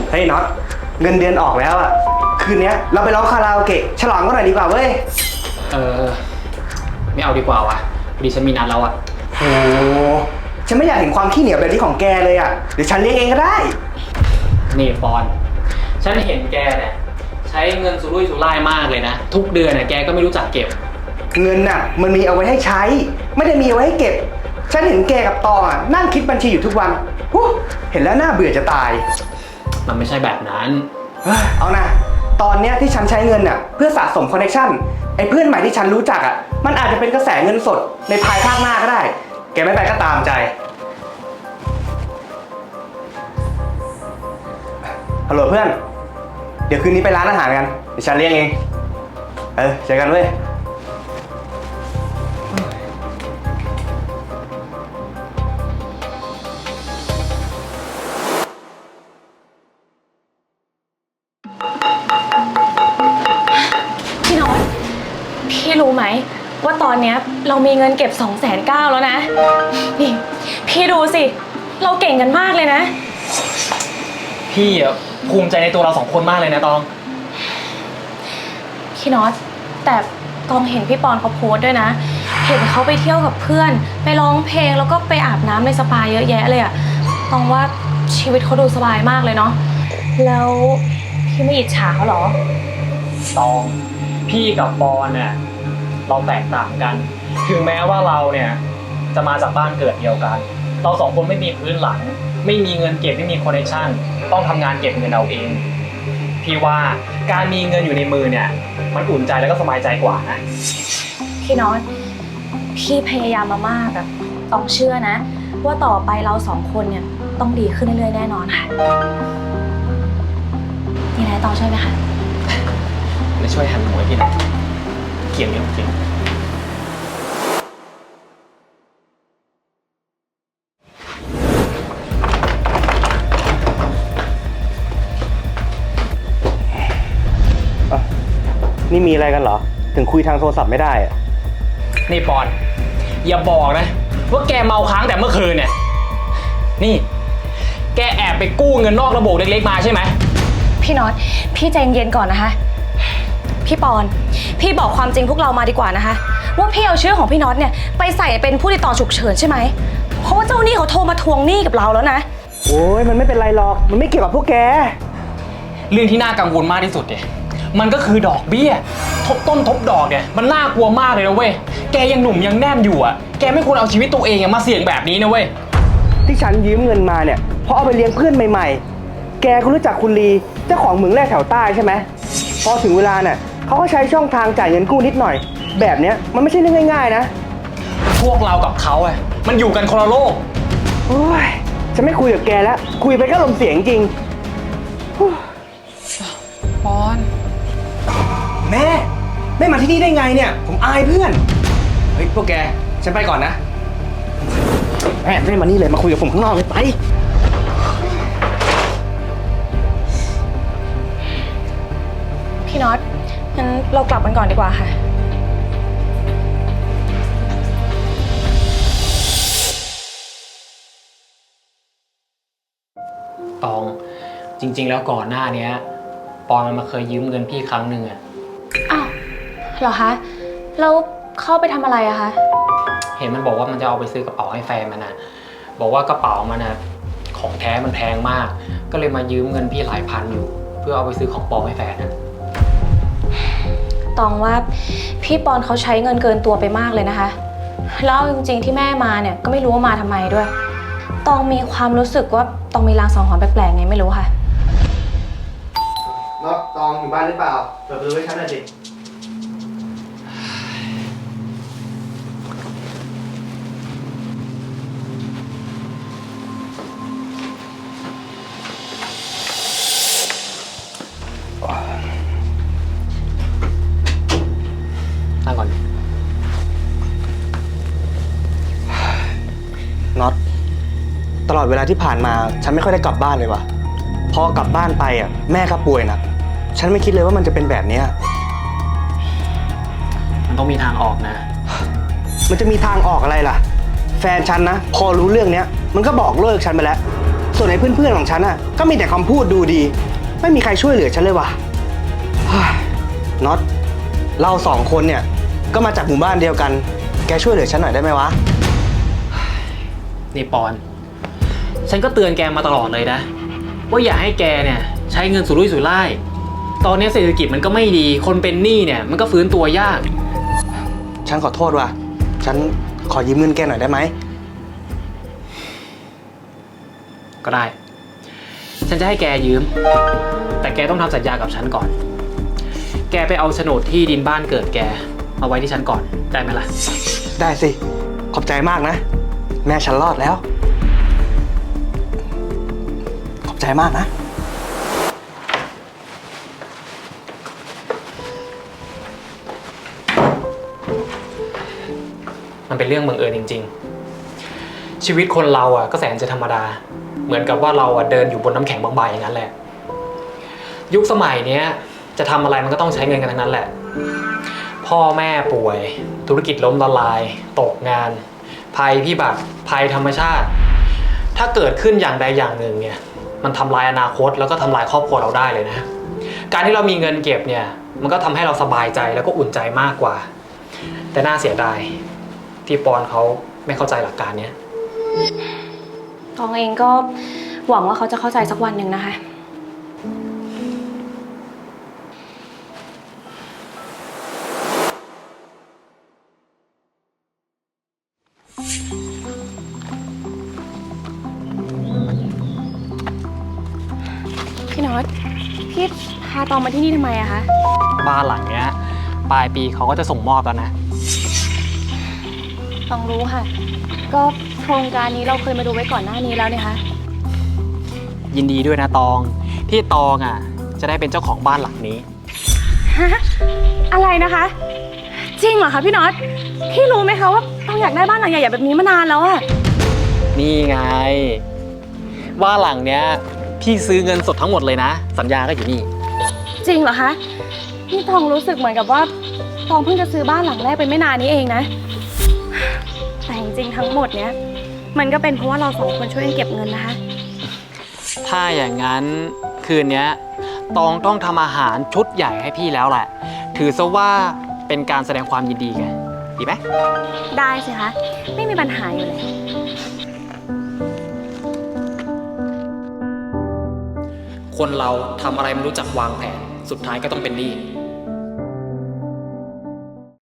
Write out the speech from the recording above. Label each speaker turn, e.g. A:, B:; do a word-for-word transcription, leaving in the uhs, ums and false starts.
A: เฮ้ยน็อตเงินเดือนออกแล้วอ่ะคืนนี้เราไปร้องคาราโอเกะฉลองกันหน่อยดีกว่าเว้ย
B: เออไม่เอาดีกว่าวะพอดีฉันมีนัดแล้วอ่ะ
A: โอ้ฉันไม่อยากเห็นความขี้เหนียวแบบนี้ของแกเลยอ่ะเดี๋ยวฉันเลี้ยงเองก็ได้
B: นี่ปอนฉันเห็นแกเนี่ยใช้เงินสุรุ่ยสุร่ายมากเลยนะทุกเดือนเนี่ยแกก็ไม่รู้จักเก็บ
A: เงินน่ะมันมีเอาไว้ให้ใช้ไม่ได้มีเอาไว้ให้เก็บฉันเห็นแกกับตองอ่ะนั่งคิดบัญชีอยู่ทุกวันเห็นแล้วน่าเบื่อจะตาย
B: มันไม่ใช่แบบนั้น
A: เอานะตอนเนี้ยที่ฉันใช้เงินน่ะเพื่อสะสมคอนเนคชั่นไอ้เพื่อนใหม่ที่ฉันรู้จักอ่ะมันอาจจะเป็นกระแสเงินสดในภายภาคหน้าก็ได้แกไม่ไปก็ตามใจฮัลโหลเพื่อนเดี๋ยวคืนนี้ไปร้านอาหารกันเดี๋ยวฉันเลี้ยงเองเออเจอกันเว้ย
C: พี่น็อตพี่รู้ไหมว่าตอนนี้เรามีเงินเก็บสองแสนเก้าแล้วนะนี่พี่ดูสิเราเก่งกันมากเลยนะ
B: พี่อ่ะภูมิใจในตัวเราสองคนมากเลยนะตอง
C: พี่น็อตแต่ตองเห็นพี่ปอนเขาโพสต์ด้วยนะเห็นเขาไปเที่ยวกับเพื่อนไปร้องเพลงแล้วก็ไปอาบน้ำในสปาเยอะแยะเลยอะตองว่าชีวิตเขาดูสบายมากเลยเนาะแล้วพี่ไม่อิจฉาเขาหรอ
B: ตองพี่กับปอนเนี่ยเราแตกต่างกันถึงแม้ว่าเราเนี่ยจะมาจากบ้านเกิดเดียวกันเราสองคนไม่มีพื้นหลังไม่มีเงินเก็บไม่มีคอนเนคชั่นต้องทำงานเก็บเงินเอาเองพี่ว่าการมีเงินอยู่ในมือเนี่ยมันอุ่นใจแล้วก็สบายใจกว่านะ
C: พี่น็อตพี่พยายามมามากแบบต้องเชื่อนะว่าต่อไปเราสองคนเนี่ยต้องดีขึ้นเรื่อยๆแน่นอนค่ะนี่นายต้องช่วยไหมคะ
B: ไม่ช่วยหันหัวพี่หน่อยเกี่ยวอย่างจริง
A: นี่มีอะไรกันเหรอถึงคุยทางโทรศัพท์ไม่ได้อะ
B: นี่ปอนอย่าบอกนะว่าแกเมาค้างแต่เมื่อคืนเนี่ยนี่แกแอบไปกู้เงินนอกระบบเล็กๆมาใช่ไหม
C: พี่น็อตพี่ใจเย็นก่อนนะคะพี่ปอนพี่บอกความจริงพวกเรามาดีกว่านะคะว่าพี่เอาชื่อของพี่น็อตเนี่ยไปใส่เป็นผู้ติดต่อฉุกเฉินใช่ไหมเพราะว่าเจ้าหนี้เขาโทรมาทวงหนี้กับเราแล้วนะ
A: โอ้ยมันไม่เป็นไรหรอกมันไม่เกี่ยวกับพวกแก
B: เรื่องที่น่ากังวลมากที่สุดเนี่ยมันก็คือดอกเบี้ยทบต้นทบดอกเนี่ยมันน่ากลัวมากเลยนะเว้ยแกยังหนุ่มยังแน่นอยู่อ่ะแกไม่ควรเอาชีวิตตัวเองมาเสี่ยงแบบนี้นะเว้ย
A: ที่ฉันยืมเงินมาเนี่ยเพราะเอาไปเลี้ยงเพื่อนใหม่ๆแกก็รู้จักคุณลีเจ้าของเหมืองแร่แถวใต้ใช่ไหมพอถึงเวลาเนี่ยเขาก็ใช้ช่องทางจ่ายเงินกู้นิดหน่อยแบบเนี้ยมันไม่ใช่เรื่องง่ายๆนะ
B: พวกเรากับเขาอ่ะมันอยู่กันคนละโลก
A: โอ้ยฉันไม่คุยกับแกแล้วคุยไปก็ลมเสียงจริง
B: ปอน
A: แม่แม่มาที่นี่ได้ไงเนี่ยผมอายเพื่อนเฮ้ยพวกแกฉันไปก่อนนะแม่แม่มานี่เลยมาคุยกับผมข้างนอกเลยไป
C: พี่น็อตงั้นเรากลับกันก่อนดีกว่าค่ะ
B: ตองจริงๆแล้วก่อนหน้านี้ปอนมันมาเคยยืมเงินพี่ครั้งหนึ่งอะ
C: อ้าวเหรอคะแล้วเข้าไปทำอะไรอะคะ
B: เห็นมันบอกว่ามันจะเอาไปซื้อกระเป๋าให้แฟนมันนะบอกว่ากระเป๋ามันนะของแท้มันแพงมากก็เลยมายืมเงินพี่หลายพันอยู่เพื่อเอาไปซื้อของปลอมให้แฟนนะ
C: ตองว่าพี่ปอนเขาใช้เงินเกินตัวไปมากเลยนะคะแล้วจริงๆที่แม่มาเนี่ยก็ไม่รู้ว่ามาทำไมด้วยตองมีความรู้สึกว่าตองมีลางสังหรณ์แปลกๆไงไม่รู้ค่ะ
A: น็อตตองอยู่บ้านหรือเปล่าเปิดประตูให้ฉันหน่อยสิ
B: นั่งก่อน
A: น็อตตลอดเวลาที่ผ่านมาฉันไม่ค่อยได้กลับบ้านเลยว่ะพอกลับบ้านไปอ่ะแม่ก็ป่วยนะฉันไม่คิดเลยว่ามันจะเป็นแบบนี้
B: มันต้องมีทางออกนะ
A: มันจะมีทางออกอะไรล่ะแฟนฉันนะพอรู้เรื่องเนี้ยมันก็บอกเลิกฉันไปแล้วส่วนไอ้เพื่อนๆของฉันอ่ะก็มีแต่คำพูดดูดี ไม่มีใครช่วยเหลือฉันเลยว่ะเฮ้ยน็อตเราสองคนเนี่ยก็มาจากหมู่บ้านเดียวกัน แกช่วยเหลือฉันหน่อยได้ไหมวะ
B: นี่ปอน ฉันก็เตือนแกมาตลอดเลยนะ ว่าอย่าให้แกเนี่ยใช้เงินสุรุ่ยสุร่าย ตอนนี้เศรษฐกิจมันก็ไม่ดี คนเป็นหนี้เนี่ยมันก็ฟื้นตัวยาก
A: ฉันขอโทษว่ะ ฉันขอยืมเงินแกหน่อยได้ไหม
B: ก็ได้ ฉันจะให้แกยืม แต่แกต้องทำสัญญากับฉันก่อน แกไปเอาโฉนดที่ดินบ้านเกิดแกมาไว้ที่ฉันก่อน ได้ไหมล่ะ
A: ได้สิ ขอบใจมากนะ แม่ฉันรอดแล้ว ขอบใจมากนะ
B: มันเป็นเรื่องบังเอิญจริงๆ ชีวิตคนเราอ่ะก็แสนจะธรรมดา เหมือนกับว่าเราอ่ะเดินอยู่บนน้ำแข็งบางๆอย่างนั้นแหละ ยุคสมัยเนี้ยจะทำอะไรมันก็ต้องใช้เงินกันทั้งนั้นแหละ พ่อแม่ป่วย ธุรกิจล้มละลาย ตกงาน ภัยพิบัติ ภัยธรรมชาติ ถ้าเกิดขึ้นอย่างใดอย่างหนึ่งเนี่ย มันทำลายอนาคตแล้วก็ทำลายครอบครัวเราได้เลยนะ การที่เรามีเงินเก็บเนี่ย มันก็ทำให้เราสบายใจแล้วก็อุ่นใจมากกว่า แต่น่าเสียดายที่ปอนเขาไม่เข้าใจหลักการเนี้ย
C: ตองเองก็หวังว่าเขาจะเข้าใจสักวันหนึ่งนะคะ พี่น็อต พี่พาตองมาที่นี่ทำไมอะคะ
B: บ้านหลังเนี้ยปลายปีเขาก็จะส่งมอบแล้วนะ
C: ตองรู้ค่ะ ก็โครงการนี้เราเคยมาดูไว้ก่อนหน้านี้แล้วเนี่ยคะ
B: ยินดีด้วยนะตองที่ตองอ่ะจะได้เป็นเจ้าของบ้านหลังนี้
C: ฮะ อะไรนะคะ จริงเหรอคะพี่น็อต พี่รู้ไหมคะว่าตองอยากได้บ้านหลังใหญ่ๆแบบนี้มานานแล้วอะ
B: นี่ไงบ้านหลังเนี้ยพี่ซื้อเงินสดทั้งหมดเลยนะ สัญญาก็อยู่นี่
C: จริงเหรอคะ นี่ตองรู้สึกเหมือนกับว่าตองเพิ่งจะซื้อบ้านหลังแรกไปไม่นานนี้เองนะ แต่จริงๆทั้งหมดเนี้ยมันก็เป็นเพราะว่าเราสองคนช่วยกันเก็บเงินนะคะ
B: ถ้าอย่างนั้นคืนเนี้ยตองต้องทำอาหารชุดใหญ่ให้พี่แล้วแหละ ถือซะว่าเป็นการแสดงความยินดีไงดีไหม
C: ได้สิคะ ไม่มีปัญหาอยู่เลย
B: คนเราทำอะไรไม่รู้จักวางแผนสุดท้ายก็ต้องเป็นหนี้